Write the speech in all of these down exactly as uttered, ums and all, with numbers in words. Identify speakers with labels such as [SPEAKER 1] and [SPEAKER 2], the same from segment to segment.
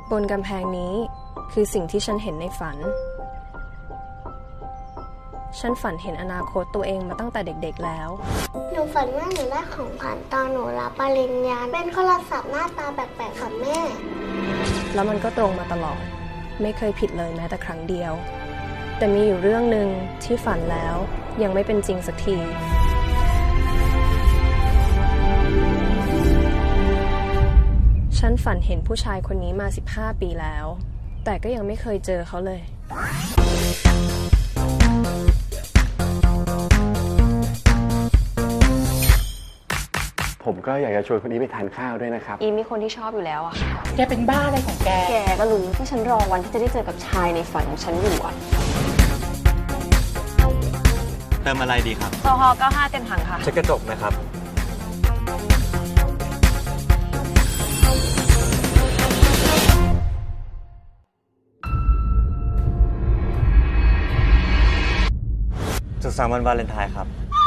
[SPEAKER 1] บนกำแพงนี้คือสิ่งที่ฉันเห็นในฝันฉันฝันเห็นอนาคตตัวเองมาตั้งแต่เด็กๆแล้ว
[SPEAKER 2] หนูฝันว่าหนูได้ของขวัญตอนหนูรับปริญญาเป็นโทรศัพท์หน้าตาแปลกๆค่ะแม่
[SPEAKER 1] แล้วมันก็ตรงมาตลอดไม่เคยผิดเลยแม้แต่ครั้งเดียวแต่มีอยู่เรื่องหนึ่งที่ฝันแล้วยังไม่เป็นจริงสักทีฉันฝันเห็นผู้ชายคนนี้มาสิบห้าปีแล้วแต่ก็ยังไม่เคยเจอเขาเลย
[SPEAKER 3] ผมก็อยากจะชวนคนนี้ไปทานข้าวด้วยนะครับ
[SPEAKER 4] อีมีคนที่ชอบอยู่แล้วอะค่ะ
[SPEAKER 5] แกเป็นบ้าอะไรของแก
[SPEAKER 4] แกก็รู้ว่าฉันรอวันที่จะได้เจอกับชายในฝันของฉันอยู่อะ
[SPEAKER 6] เติมอะไรดีครับ
[SPEAKER 4] โซฮอล์เก้าสิบห้าเต็มถังค่ะ
[SPEAKER 6] เช็คกระจกนะครับสุขสันต์วันวาเลนไทน์ครับ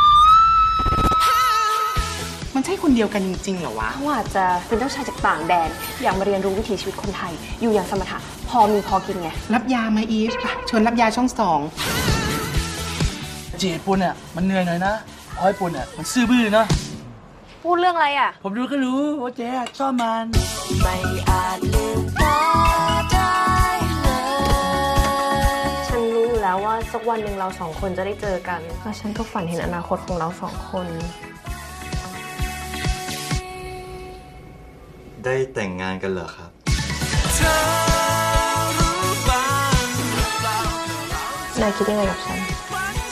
[SPEAKER 5] มันใช่คนเดียวกันจริงๆเหรอวะ
[SPEAKER 4] เขาอาจจะเป็นเจ้าชายจากต่างแดนอยากมาเรียนรู้วิถีชีวิตคนไทยอยู่อย่างสมถะพอมีพอกินไง
[SPEAKER 5] รับยาไหมอีฟชวนรับยาช่องสอง
[SPEAKER 7] จีบปุ่นเนี่ยมันเหนื่อยหน่อยนะพอยปุ่นเนี่ยมันซื่อบื้อนะ
[SPEAKER 4] พูดเรื่องอะไรอ่ะ
[SPEAKER 7] ผมรู้ก็รู้ว่าเจ๊ชอบมัน
[SPEAKER 4] ไม่อาจลืมตาได้เลยฉันรู้อยู่แล้วว่าสักวันหนึ่งเราสองคนจะได้เจอกันแล้วฉันก็ฝันเห็นอนาคตของเราสองคน
[SPEAKER 6] ได้แต่งงานกันเหรอครับ
[SPEAKER 1] นายคิดยังไงกับฉัน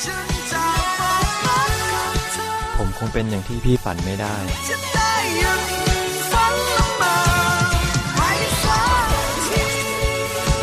[SPEAKER 6] ผมคงเป็นอย่างที่พี่ฝันไม่ได้